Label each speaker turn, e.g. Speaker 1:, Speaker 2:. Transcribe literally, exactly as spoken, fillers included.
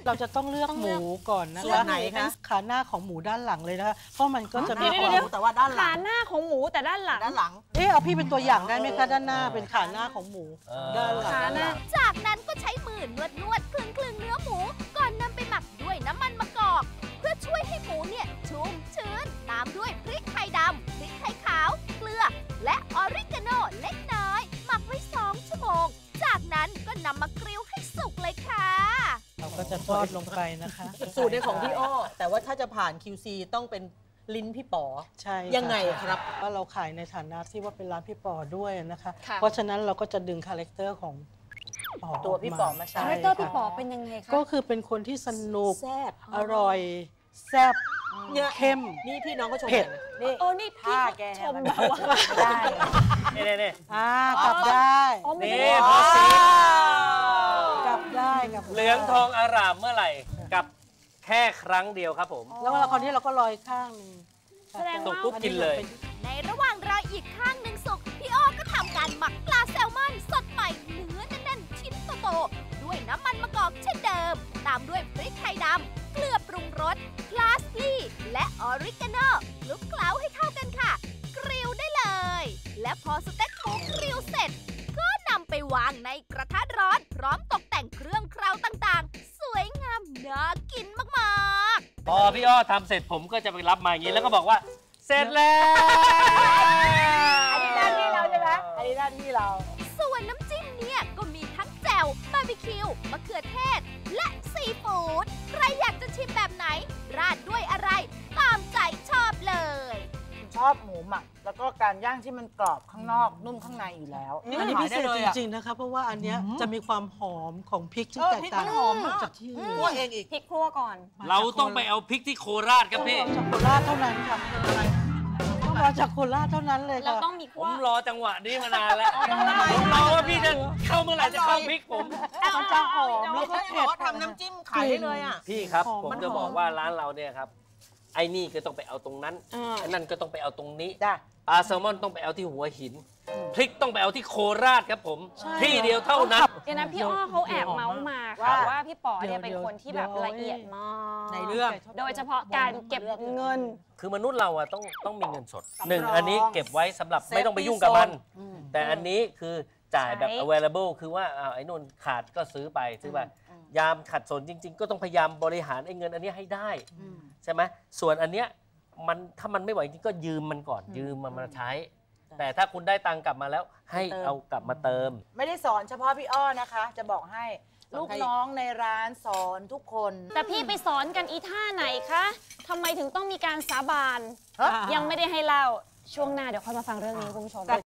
Speaker 1: เราจะต้องเลือกหมูก่อนนะคะ
Speaker 2: ไหนคะ
Speaker 1: ขาหน้าของหมูด้านหลังเลยนะคะเพราะมันก็จะมีความ
Speaker 2: แต่ว่าด้านหลัง
Speaker 3: ขาหน้าของหมูแต่ด้านหลัง
Speaker 2: ด้านหลัง
Speaker 1: เออเอาพี่เป็นตัวอย่างได้ไหมคะด้านหน้าเป็นขาหน้าของหมูด้านหลัง
Speaker 3: ขาหน้า
Speaker 4: จากนั้นก็ใช้มือนวดนวดคลึงคลึงเนื้อหมูก่อนนำไปหมักด้วยน้ำมันมะกอกเพื่อช่วยให้หมูเนี่ยชุ่มชื้นตามด้วยพริกไทยดำพริกไทยขาวเกลือและออริกาโนเล็กน้อยหมักไว้สองชั่วโมงจากนั้นก็นำมากริลให้สุกเลยค่ะ
Speaker 1: เราก็จะทอดลงไปนะคะ
Speaker 2: สูตรในของพี่อ้อแต่ว่าถ้าจะผ่าน คิว ซี ต้องเป็นลิ้นพี่ป๋อ
Speaker 1: ใช่
Speaker 2: ยังไงครับ
Speaker 1: ว่าเราขายในฐานะที่ว่าเป็นร้านพี่ป๋อด้วยนะคะ
Speaker 3: ค่ะ
Speaker 1: เพราะฉะนั้นเราก็จะดึงคาแรคเตอร์ของป๋อ
Speaker 2: ตัวพี่ป๋อมาใช้
Speaker 3: คาแรคเตอร์พี่ป๋อเป็นยังไงคะ
Speaker 1: ก็คือเป็นคนที่สนุก
Speaker 2: แซ่บ
Speaker 1: อร่อยแซ่บ
Speaker 2: เนี่ย
Speaker 1: เข้ม
Speaker 2: นี่พี่น้องก็ชม
Speaker 1: เผ็ด
Speaker 2: นี่
Speaker 3: โอ้นี่พี่ชมแบบว่า
Speaker 2: ได้
Speaker 5: นี่นี่นี่
Speaker 1: อ่ากลับได้
Speaker 3: อ๋อไม่
Speaker 5: นี่
Speaker 3: ได้
Speaker 5: พอสี
Speaker 1: กลับได้กลับได้
Speaker 5: เหลืองทองอารามเมื่อไหร่กับแค่ครั้งเดียวครับผม
Speaker 1: แล้วเวลาคราวนี้เราก็ลอยข้างหนึง
Speaker 3: แสดง
Speaker 5: ตก
Speaker 3: ว่า
Speaker 5: ปุ๊บกินเลย
Speaker 4: ในระหว่างรออีกข้างหนึ่งสุกพี่อ้อก็ทำการหมักปลาแซลมอนสดใหม่เนื้อแน่นๆชิ้นโตๆด้วยน้ำมันมะกอกเช่นเดิม ตามด้วยพริกไทยดำเกลือปรุงรสพลาสลี่และออริกาโนคลุกเคล้าให้เข้ากันค่ะ กริลได้เลย และพอสเต็กหมูกริลเสร็จ ก็นำไปวางในกระทะร้อน พร้อมตกแต่งเครื่องเคล้าต่างๆ สวยงามน่ากินมากๆ
Speaker 5: พอพี่อ้อทำเสร็จผมก็จะไปรับมาอย่างนี้แล้วก็บอกว่าเสร็จแล้ว
Speaker 2: อันนี้ด้านที่เราใช่ไหมอันนี้ด้านที่เรา
Speaker 4: ส่วนน้ำจิ้มเนี่ยก็มีทั้งแจ่วบาร์บีคิวมะเขือเทศ และซีฟู้ดใครอยากจะชิมแบบไหน ราดด้วยอะไร ตามใจชอบเลย
Speaker 6: ชอบหมูหมักแล้วก็การย่างที่มันกรอบข้างนอกนุ่มข้างในอยู่แล้ว
Speaker 1: อันนี้พิเศษจริงๆนะคะเพราะว่าอันเนี้ยจะมีความหอมของพริกที่แตกต่างจากที่อื่น
Speaker 2: คั่วเองอีก
Speaker 3: พริกคั่วก่อน
Speaker 5: เราต้องไปเอาพริกที่โคราชครับพี่
Speaker 1: จากโคราชเท่านั้นค่ะต้องมาจากโคราชเท่านั้นเลย
Speaker 3: เรา
Speaker 1: ค่ะ
Speaker 3: ต้องมี
Speaker 5: ผ
Speaker 3: คั่ว
Speaker 5: มรอจังหวะนี้มานานแล้วผมรอว่าพี่จะเข้าเมื่อไหร่จะเข้าพริกผม
Speaker 1: มันจะหอมแล้วก็
Speaker 2: พี่
Speaker 1: เผ็
Speaker 2: บ
Speaker 1: ด
Speaker 2: อกว่าทำน้ำจิ้มขายได้เลยอ่ะ
Speaker 5: พี่ครับ
Speaker 1: หอม
Speaker 5: ผม
Speaker 1: มัน
Speaker 5: จะ
Speaker 1: หอม
Speaker 5: บอกว่าร้านเราเนี่ยครับไอ้นี่ก็ต้องไปเอาตรงนั้น
Speaker 3: อ่า
Speaker 5: ไอ้นั่นก็ต้องไปเอาตรงนี้
Speaker 6: จ้ะ
Speaker 5: ปลาแซลมอนต้องไปเอาที่หัวหิน พริกต้องไปเอาที่โคราชครับผม ที่เดียวเท่านั้น
Speaker 3: เดี๋ยวนะพี่อ้อเขาแอบเมาส์มาค่ะว่าพี่ป๋อเนี่ยเป็นคนที่แบบละเอียดมาก
Speaker 2: ในเรื่อง
Speaker 3: โดยเฉพาะการเก็บเงิน
Speaker 5: คือมนุษย์เราอะต้องต้องมีเงินสดหนึ่งอันนี้เก็บไว้สำหรับไม่ต้องไปยุ่งกับมัน แต่อันนี้คือจ่ายแบบ
Speaker 3: ใช้
Speaker 5: available คือว่าอ้าวไอ้นู่นขาดก็ซื้อไปซื้อไปยามขัดสนจริง ๆ ก็ต้องพยายามบริหารไอ้เงินอันนี้ให้ได้ใช่ไหมส่วนอันเนี้ยมันถ้ามันไม่ไหวจริงก็ยืมมันก่อนยืมมันมาใช้ แต่ถ้าคุณได้ตังค์กลับมาแล้วให้เอากลับมาเติม
Speaker 6: ไม่ได้สอนเฉพาะพี่อ้อนะคะ จะบอกให้ลูกน้องในร้านสอนทุกคน
Speaker 3: แต่พี่ไปสอนกันอีท่าไหนคะทำไมถึงต้องมีการสาบานยังไม่ได้ให้เล่าช่วงหน้าเดี๋ยวค่อยมาฟังเรื่องนี้คุณผู้ชม